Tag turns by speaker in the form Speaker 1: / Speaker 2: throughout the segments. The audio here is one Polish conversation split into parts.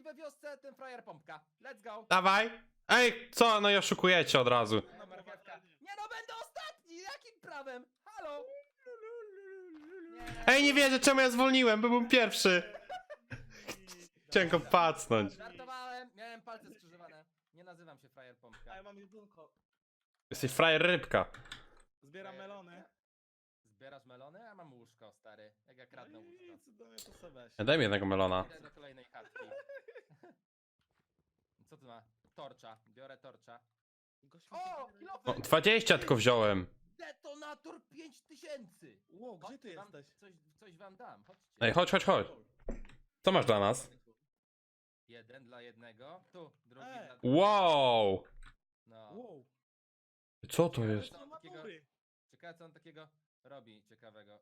Speaker 1: ostatni we wiosce, ten frajer pompka. Let's go.
Speaker 2: Dawaj. Ej, co? No i oszukujecie od razu.
Speaker 1: No, marchewka. Nie no, będę ostatni! Jakim prawem? Halo?
Speaker 2: Ej, nie wierzę, czemu ja zwolniłem, bo byłem pierwszy. Chciałem go pacnąć.
Speaker 1: Żartowałem, miałem palce skrzyżowane. Nie nazywam się frajer
Speaker 3: A
Speaker 1: pompka.
Speaker 3: ja mam jedynko.
Speaker 2: Jesteś frajer rybka.
Speaker 3: Zbieram melony.
Speaker 1: Zbierasz melony? Ja mam łóżko, stary. Jak ja kradnę
Speaker 3: No
Speaker 1: łóżko.
Speaker 3: i cudownie to sobie weź.
Speaker 2: Daj mi jednego melona.
Speaker 1: Idę do kolejnej chatki. Co tu ma? Torcza. Biorę torcza.
Speaker 3: Gość
Speaker 1: O!
Speaker 3: mi
Speaker 1: Kilofy!
Speaker 2: O, 20 tylko wziąłem.
Speaker 1: Detonator 5000!
Speaker 3: Ło, gdzie ty
Speaker 1: Chodźcie,
Speaker 3: jesteś?
Speaker 1: coś wam dam, chodźcie.
Speaker 2: Ej, chodź, chodź, chodź. Co masz dla nas?
Speaker 1: Jeden dla jednego, tu, drugi
Speaker 3: Ej.
Speaker 1: dla drugiego.
Speaker 2: Wow.
Speaker 1: No.
Speaker 3: Wow.
Speaker 2: Co to jest?
Speaker 1: Co on takiego, ciekawe co on takiego robi ciekawego.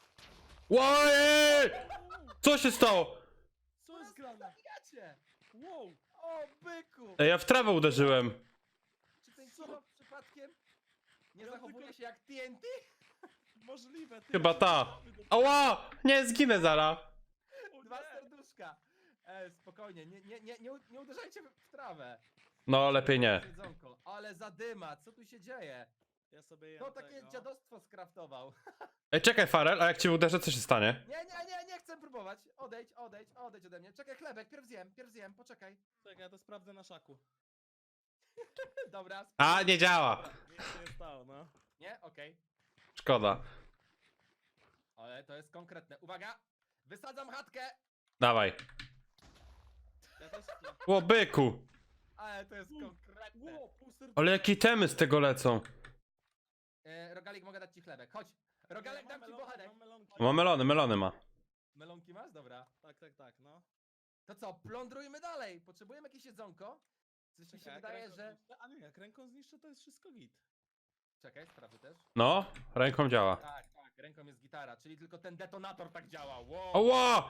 Speaker 2: Oj! Co się stało?
Speaker 3: Co jest grane?
Speaker 1: Zabijacie!
Speaker 3: Wow.
Speaker 1: O, byku!
Speaker 2: Ej, ja w trawę uderzyłem.
Speaker 1: Czy ten
Speaker 3: Co?
Speaker 1: kilo przypadkiem nie
Speaker 3: Ja
Speaker 1: zachowuje
Speaker 3: tylko-
Speaker 1: się jak TNT?
Speaker 3: Możliwe, ty.
Speaker 2: Chyba ta. Ała! Nie, zginę zara.
Speaker 3: O
Speaker 1: Dwa
Speaker 3: nie.
Speaker 1: serduszka. Spokojnie, nie uderzajcie w trawę.
Speaker 2: No, lepiej nie.
Speaker 1: Jedzonko. Ale zadyma, co tu się dzieje?
Speaker 3: Ja sobie jem
Speaker 1: To takie
Speaker 3: tego.
Speaker 1: dziadostwo skraftował.
Speaker 2: Ej, czekaj, Farel, a jak cię uderzę, co się stanie?
Speaker 1: Nie chcę próbować. Odejdź ode mnie. Czekaj, chlebek, pierw zjem, poczekaj.
Speaker 3: Czekaj, ja to sprawdzę na szaku.
Speaker 1: Dobra,
Speaker 2: A, nie działa.
Speaker 3: Nic się nie stało, no.
Speaker 1: nie? Okej.
Speaker 2: Szkoda.
Speaker 1: Ale to jest konkretne. Uwaga! Wysadzam chatkę!
Speaker 2: Dawaj.
Speaker 3: Ja też chcę.
Speaker 2: O, byku.
Speaker 1: Ale to jest konkretne.
Speaker 3: Ło, pół serduszka.
Speaker 2: Ale jakie temy z tego lecą?
Speaker 1: Rogalik, mogę dać ci chlebek. Chodź! Rogalek,
Speaker 3: Mam
Speaker 1: dam ci
Speaker 3: melonki,
Speaker 1: bochenek.
Speaker 3: mam melonki.
Speaker 2: Ma melony, melony ma.
Speaker 1: Melonki masz? Dobra.
Speaker 3: Tak, no.
Speaker 1: To co, plądrujmy dalej. Potrzebujemy jakieś jedzonko. Coś mi się
Speaker 3: Czekaj, jak
Speaker 1: wydaje,
Speaker 3: ręką
Speaker 1: że...
Speaker 3: zniszczę- A nie, jak ręką zniszczę, to jest wszystko git.
Speaker 1: Czekaj, sprawdzę też.
Speaker 2: No, ręką działa.
Speaker 1: Tak, ręką jest gitara, czyli tylko ten detonator tak działa. Wow.
Speaker 2: Oła!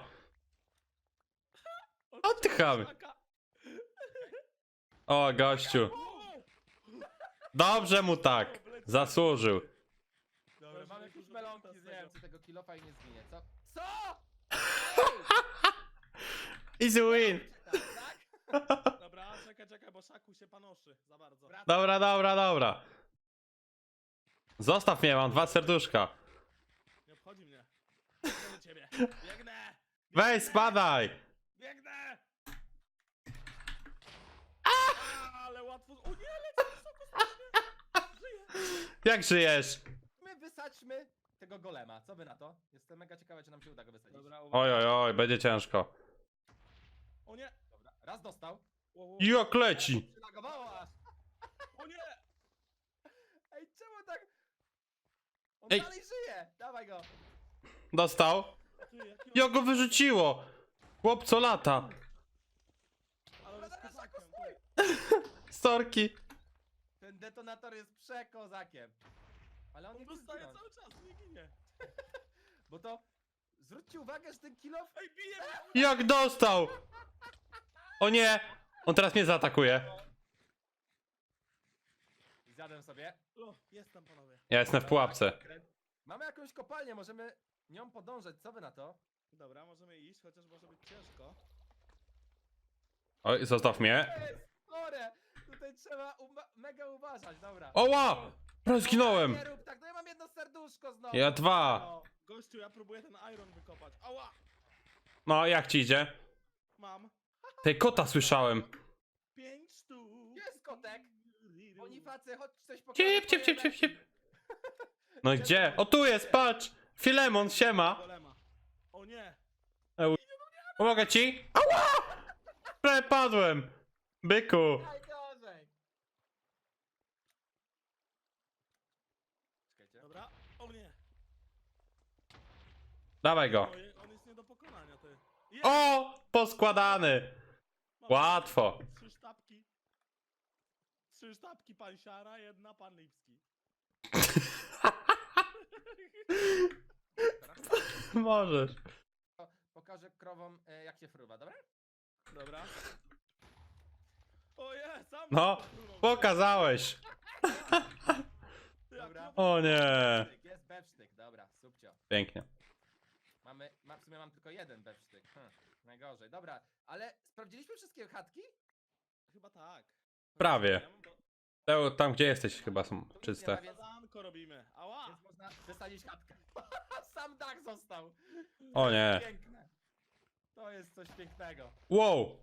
Speaker 2: Oddychamy.
Speaker 3: Szaka.
Speaker 2: O, gościu.
Speaker 3: Wow.
Speaker 2: Dobrze mu tak. Zasłużył.
Speaker 1: Dobra,
Speaker 3: Weź
Speaker 1: mamy
Speaker 3: mi
Speaker 1: jakieś
Speaker 3: dużo
Speaker 1: melonki,
Speaker 3: mięsa z
Speaker 1: zjem
Speaker 3: tego.
Speaker 1: tego kilofa i nie zginie. Co?
Speaker 2: Easy win.
Speaker 1: Tak?
Speaker 3: Dobra, czekaj, bo szaku się panoszy za bardzo.
Speaker 2: Dobra, dobra, dobra. Zostaw mnie, mam 2 serduszka.
Speaker 3: Nie obchodzi mnie. Biegnę do ciebie. Biegnę!
Speaker 2: Weź, spadaj.
Speaker 3: Biegnę! Ale łatwo. O nie, lecę wysoko strasznie. Żyję.
Speaker 2: Jak żyjesz?
Speaker 1: My wysadźmy tego golema. Co wy na to? Jestem mega ciekawy, czy nam się uda go wysadzić.
Speaker 3: Dobra,
Speaker 2: Oj, oj, oj, będzie ciężko.
Speaker 3: O nie!
Speaker 1: Dobra. Raz dostał.
Speaker 2: Jak leci.
Speaker 1: Przylagowało aż.
Speaker 3: O nie!
Speaker 1: Ej, czemu tak? On
Speaker 2: Ej.
Speaker 1: dalej żyje. Dawaj go.
Speaker 2: Dostał.
Speaker 3: Ty, jaki
Speaker 2: Jak go wyrzuciło. Chłop co lata.
Speaker 3: Ale on jest
Speaker 1: Zaraz,
Speaker 3: kozakiem,
Speaker 1: stój.
Speaker 3: ty.
Speaker 2: Storki.
Speaker 1: Ten detonator jest przekozakiem. Ale on nie chce
Speaker 3: Dostaje
Speaker 1: zginąć.
Speaker 3: cały czas, nie ginie.
Speaker 1: Bo to... Zwróćcie uwagę, że ten kilof...
Speaker 3: Ej, bije mnie!
Speaker 2: Jak dostał. O nie. On teraz mnie zaatakuje.
Speaker 1: Zjadłem sobie.
Speaker 3: O, jestem, panowie.
Speaker 2: Ja jestem w pułapce.
Speaker 1: Mamy jakąś kopalnię, możemy nią podążać. Co wy na to?
Speaker 3: Dobra, możemy iść, chociaż może być ciężko.
Speaker 2: Oj, zostaw mnie.
Speaker 1: Chore! Tutaj trzeba mega uważać, dobra.
Speaker 2: Oła. Zginąłem.
Speaker 1: Nie rób tak, no ja mam jedno serduszko znowu.
Speaker 2: Ja 2.
Speaker 3: O, gościu, ja próbuję ten iron wykopać. Ała!
Speaker 2: No, jak ci idzie?
Speaker 3: Mam
Speaker 2: Tej kota słyszałem.
Speaker 3: 5 sztuk.
Speaker 1: Jest kotek. Bonifacy, chodź coś pokażę.
Speaker 2: Cip, cip, cip, cip, cip. No i gdzie? O, tu jest, patrz. Filemon, siema.
Speaker 3: Golema. O nie!
Speaker 2: Pomogę ci? Ała! Prepadłem. Byku.
Speaker 1: Najgorzej. Czekajcie.
Speaker 3: Dobra. O nie!
Speaker 2: Dawaj go.
Speaker 3: Ojej, on jest nie do pokonania, ty. Jest!
Speaker 2: O! Poskładany.
Speaker 3: Mam
Speaker 2: Łatwo.
Speaker 3: 3 sztabki. 3 sztabki pan Siara, jedna pan Lipski.
Speaker 2: Możesz.
Speaker 1: Pokażę krowom jak się fruwa, dobra?
Speaker 3: Dobra. O je, sam
Speaker 2: No,
Speaker 3: fruwał.
Speaker 2: pokazałeś.
Speaker 3: Ty, a
Speaker 1: Dobra.
Speaker 3: krowa-
Speaker 2: O nie.
Speaker 1: Jest bewsztyk, dobra, subcio.
Speaker 2: Pięknie.
Speaker 1: W sumie mam tylko jeden bewsztyk. Najgorzej, dobra. Ale sprawdziliśmy wszystkie chatki?
Speaker 3: Chyba tak.
Speaker 2: Prawie.
Speaker 3: Ja mam do...
Speaker 2: Tam gdzie jesteś chyba są
Speaker 1: Tu nic
Speaker 2: czyste.
Speaker 1: nie ma, więc,
Speaker 3: Zadanko robimy. Ała!
Speaker 1: więc można wysadzić chatkę. Sam dach został.
Speaker 2: O nie.
Speaker 1: Piękne. To jest coś pięknego.
Speaker 2: Wow!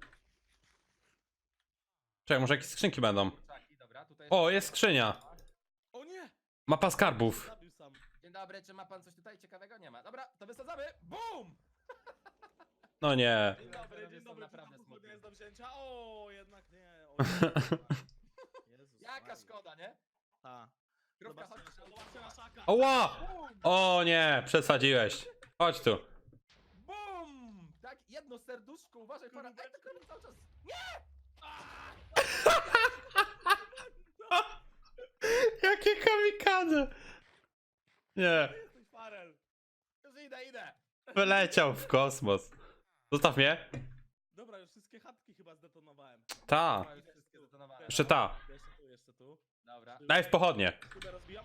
Speaker 2: Czekaj, może jakieś skrzynki będą.
Speaker 1: Czaki, dobra, tutaj
Speaker 2: O, jest skrzynia.
Speaker 3: O nie!
Speaker 2: Mapa skarbów.
Speaker 3: Zabił sam.
Speaker 1: Dzień dobry, czy ma pan coś tutaj ciekawego? Nie ma. Dobra, to wysadzamy. BUM!
Speaker 2: No nie.
Speaker 3: Dzień
Speaker 1: Panowie
Speaker 3: dobry, dzień
Speaker 1: są
Speaker 3: dobry.
Speaker 1: naprawdę
Speaker 3: Naprawdę
Speaker 1: smutni.
Speaker 3: jest do wzięcia. O, jednak nie. O, Jezus
Speaker 1: Jaka
Speaker 3: Maria.
Speaker 1: szkoda, nie?
Speaker 3: Ta.
Speaker 1: Krówka,
Speaker 3: Zobaczcie,
Speaker 1: chodź.
Speaker 3: zobaczcie na szaka.
Speaker 2: Oła!
Speaker 1: BUM!
Speaker 2: O nie, przesadziłeś. Chodź tu.
Speaker 1: BUM! Tak, jedno serduszko, uważaj, para. Ej, to krowy cały czas. Nie!
Speaker 2: Jakie kamikadze! Nie,
Speaker 3: Jesteś Farel.
Speaker 1: Już idę.
Speaker 2: wyleciał w kosmos. Zostaw mnie.
Speaker 3: Dobra, już wszystkie chatki chyba zdetonowałem.
Speaker 2: Ta.
Speaker 1: Dobra, już wszystkie zdetonowane.
Speaker 2: Jeszcze ta.
Speaker 3: Jeszcze tu, jeszcze tu.
Speaker 1: Dobra.
Speaker 2: Daj w pochodnie.
Speaker 3: Chyba rozbijam.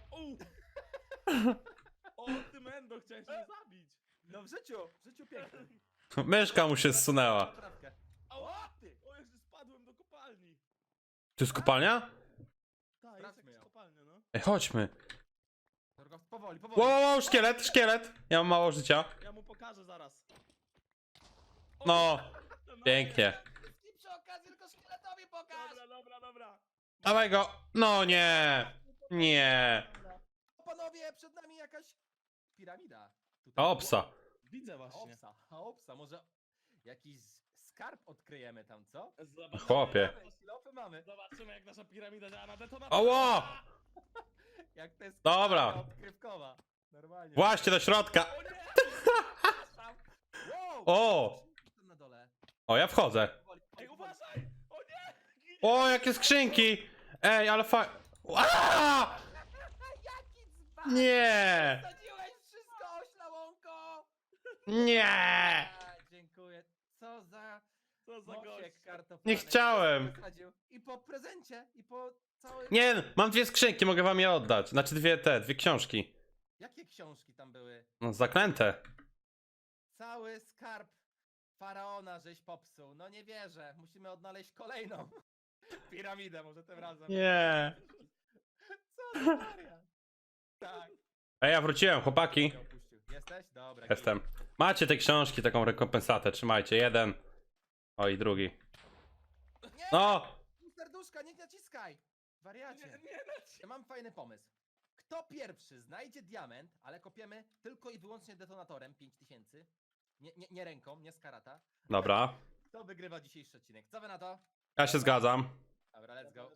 Speaker 3: O, ty Mendo, chciałeś mnie zabić.
Speaker 1: No w życiu pięknym.
Speaker 2: Myszka mu się zsunęła.
Speaker 1: Poprawkę.
Speaker 3: Ała, ty! O, jeszcze spadłem do kopalni.
Speaker 2: Tu jest kopalnia?
Speaker 3: Tak, jest
Speaker 1: Sprawdźmy
Speaker 3: jakaś
Speaker 1: ją.
Speaker 3: kopalnia, no.
Speaker 2: Ej, chodźmy.
Speaker 1: Tylko powoli.
Speaker 2: Wow, szkielet. Ja mam mało życia.
Speaker 3: Ja mu pokażę zaraz. O,
Speaker 2: No,
Speaker 3: no,
Speaker 2: pięknie.
Speaker 1: I przy okazji tylko szkieletowi pokaż.
Speaker 3: Dobra.
Speaker 2: Dawaj go. No nie. Nie.
Speaker 1: Panowie, przed nami jakaś piramida. Tutaj.
Speaker 2: Opsa.
Speaker 3: Widzę właśnie.
Speaker 1: Opsa, może jakiś skarb odkryjemy tam, co?
Speaker 3: Zobaczymy,
Speaker 2: Chłopie.
Speaker 1: Silofy mamy.
Speaker 3: Zobaczymy, jak nasza piramida działa na detonator.
Speaker 2: Ała!
Speaker 1: Jak to jest
Speaker 2: Dobra.
Speaker 1: skarbka odkrywkowa. Normalnie.
Speaker 2: Właśnie do środka.
Speaker 1: O nie! Przepraszam. Wow!
Speaker 2: O!
Speaker 1: Tam na dole.
Speaker 2: O, ja wchodzę.
Speaker 1: Powoli,
Speaker 3: Ej,
Speaker 1: powoli.
Speaker 3: uważaj! O nie! Ginie!
Speaker 2: O, jakie skrzynki. Ej, ale Aaa!
Speaker 1: Jaki dzban!
Speaker 2: Nie.
Speaker 1: Wsadziłeś wszystko, oślałonko!
Speaker 2: Nie.
Speaker 1: Dziękuję. Co za
Speaker 3: Co za
Speaker 1: mosiek
Speaker 3: gość.
Speaker 1: kartoflany.
Speaker 2: Nie chciałem.
Speaker 1: Wysadził. I po prezencie, i po całym...
Speaker 2: Nie, mam dwie skrzynki, mogę wam je oddać. Znaczy dwie książki.
Speaker 1: Jakie książki tam były?
Speaker 2: No, zaklęte.
Speaker 1: Cały skarb faraona żeś popsuł. No nie wierzę. Musimy odnaleźć kolejną piramidę, może tym razem.
Speaker 2: Nie.
Speaker 1: Co za wariat? Tak.
Speaker 2: Ej, ja wróciłem, chłopaki.
Speaker 1: Cię opuścił. Jesteś? Dobra.
Speaker 2: Jestem. Macie te książki, taką rekompensatę, trzymajcie. Jeden. O, i drugi.
Speaker 1: git. Nie!
Speaker 2: No!
Speaker 1: Serduszka, nie naciskaj! Wariacie.
Speaker 3: Nie,
Speaker 1: Ja mam fajny pomysł. Kto pierwszy znajdzie diament, ale kopiemy tylko i wyłącznie detonatorem 5000, nie ręką, nie z karata,
Speaker 2: Dobra.
Speaker 1: kto wygrywa dzisiejszy odcinek? Co wy na to?
Speaker 2: Ja się zgadzam.
Speaker 1: Dobra, let's go.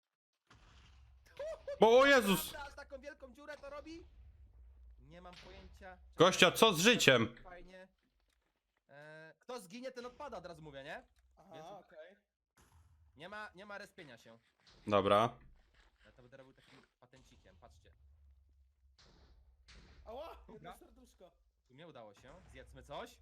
Speaker 2: Bo, o Jezus!
Speaker 1: Aż taką wielką dziurę to robi? Nie mam pojęcia.
Speaker 2: Gościa, co z życiem?
Speaker 1: Fajnie. Kto zginie, ten odpada, od razu mówię, nie?
Speaker 3: Aha, okej.
Speaker 1: Nie ma respienia się.
Speaker 2: Dobra.
Speaker 1: Ja to będę robił takim patencikiem, patrzcie.
Speaker 3: Ała, jedno
Speaker 1: Dobra.
Speaker 3: serduszko.
Speaker 1: Tu mnie udało się, zjedzmy coś.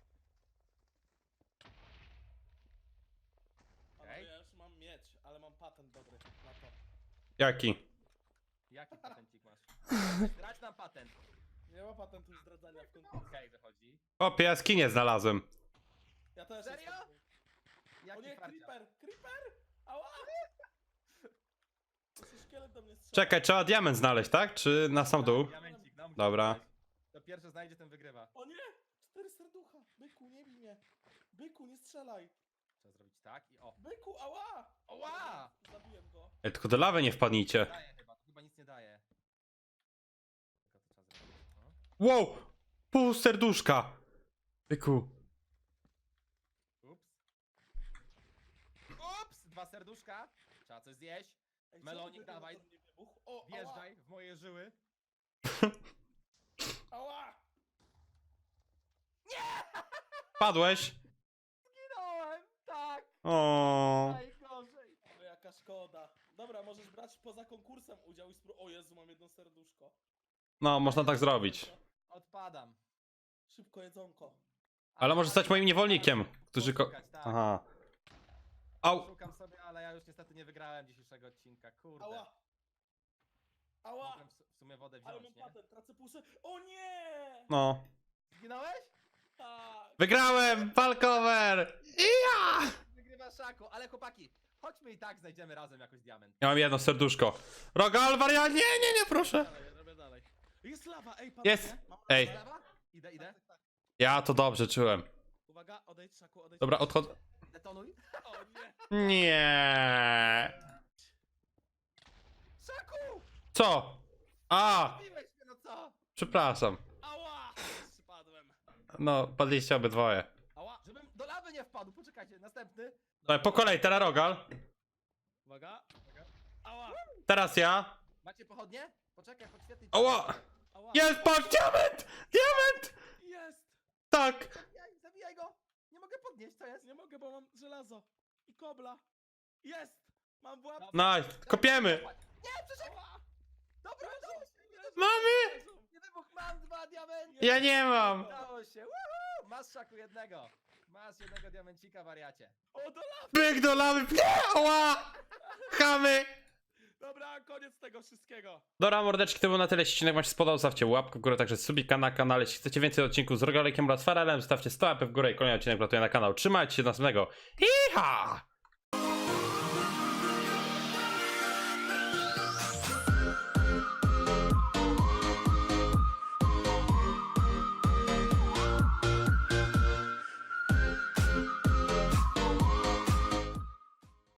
Speaker 3: Ale
Speaker 1: Okej.
Speaker 3: ja już mam mieć, ale mam patent dobry na to.
Speaker 2: Jaki?
Speaker 1: Jaki patencik masz? Grać nam patent.
Speaker 3: Nie ma patentu zdradzania w konkursie.
Speaker 1: Okej, wychodzi.
Speaker 2: O, jaskinie znalazłem.
Speaker 3: Ja też
Speaker 1: Serio?
Speaker 3: jestem. O
Speaker 1: Jaki
Speaker 3: nie,
Speaker 1: farciarz?
Speaker 3: creeper! Ała! To się szkielet do mnie strzela.
Speaker 2: Czekaj, trzeba diament znaleźć, tak? Czy na sam dół?
Speaker 1: Diamencik, no, musisz
Speaker 2: Dobra.
Speaker 1: znaleźć. Kto pierwszy znajdzie, ten wygrywa.
Speaker 3: O nie! 4 serducha! Byku, nie bij mnie! Byku, nie strzelaj!
Speaker 1: Trzeba zrobić tak i o.
Speaker 3: Byku, ała!
Speaker 1: Oła!
Speaker 3: Zabiłem go.
Speaker 2: Ej, tylko do lawy nie wpadnijcie.
Speaker 1: Daje chyba, to chyba nic nie daje. Tylko to trzeba zrobić. No.
Speaker 2: Wow! Pół serduszka! Byku.
Speaker 1: Ups. Ups! 2 serduszka. Trzeba coś zjeść.
Speaker 3: Ej,
Speaker 1: Melonik,
Speaker 3: czemu ten
Speaker 1: dawaj.
Speaker 3: detonator nie wybuchł? O,
Speaker 1: Wjeżdżaj w moje żyły.
Speaker 3: Ała!
Speaker 2: Padłeś?
Speaker 1: Zginąłem! Tak!
Speaker 2: O.
Speaker 1: Najgorzej!
Speaker 3: O, jaka szkoda. Dobra, możesz brać poza konkursem udział i O Jezu, mam jedno serduszko.
Speaker 2: No, można tak zrobić.
Speaker 1: Odpadam.
Speaker 3: Szybko jedzonko.
Speaker 2: Ale może stać moim niewolnikiem, którzy
Speaker 1: Poszukać, tak.
Speaker 2: Aha. Au!
Speaker 1: Szukam sobie, ale ja już niestety nie wygrałem dzisiejszego odcinka. Kurde.
Speaker 3: Ała! Ała!
Speaker 1: Mogłem w sumie wodę
Speaker 3: Ale
Speaker 1: wziąć,
Speaker 3: mam
Speaker 1: nie?
Speaker 3: patent, tracę O nie!
Speaker 2: No.
Speaker 1: Zginąłeś?
Speaker 2: Wygrałem! Falcover! Ja!
Speaker 1: Wygrywa Szaku, ale chłopaki, chodźmy i tak znajdziemy razem jakoś diament.
Speaker 2: Ja mam jedno serduszko. Rogal, wariat, nie, proszę.
Speaker 3: Dalej, robię dalej. Jest lawa, ej, panowie.
Speaker 2: Jest.
Speaker 3: Mam
Speaker 2: Ej.
Speaker 3: lawę.
Speaker 1: Lewa? Idę.
Speaker 2: Ja to dobrze czułem.
Speaker 3: Uwaga, odejdź, Szaku, odejdź.
Speaker 2: Dobra, odchodzę.
Speaker 1: Detonuj.
Speaker 3: O nie.
Speaker 2: Nie.
Speaker 1: Szaku!
Speaker 2: Co? A,
Speaker 1: Zabiłeś mnie, no co?
Speaker 2: przepraszam.
Speaker 3: Ała! Przypadłem.
Speaker 2: No, padliście obydwoje.
Speaker 3: Ała.
Speaker 1: Żebym do lawy nie wpadł, poczekajcie, następny.
Speaker 2: Dobra, po kolei, teraz Rogal.
Speaker 3: Uwaga. Ała.
Speaker 2: Teraz ja.
Speaker 1: Macie pochodnie? Poczekaj, podświetlić.
Speaker 2: Ała!
Speaker 3: Ała.
Speaker 2: Jest, patrz, diament! Diament!
Speaker 3: Jest.
Speaker 2: Tak!
Speaker 1: Zabijaj go! Nie mogę podnieść, co jest?
Speaker 3: Nie mogę, bo mam żelazo. I kobla. Jest. Mam w łapce.
Speaker 2: Nice, kopiemy!
Speaker 1: Nie, przecież... Dobra, udało się!
Speaker 2: Mamy!
Speaker 1: Nie wybuch, mam 2 diamenty!
Speaker 2: Ja nie mam!
Speaker 1: Udało się! Woohoo! Masz, Szaku, jednego! Masz jednego diamencika, wariacie.
Speaker 3: O, do lawy.
Speaker 2: Byk do lawy! Nie! Ała! Chamy!
Speaker 3: Dobra, koniec tego wszystkiego.
Speaker 2: Dobra, mordeczki, to było na tyle. Jeśli odcinek wam się spodobał, zostawcie łapkę w górę, także subika na kanale. Jeśli chcecie więcej odcinków z Rogalekiem oraz Farelem, zostawcie 100 łapek w górę i kolejny odcinek wlatuje na kanał. Trzymajcie się do następnego. Iha!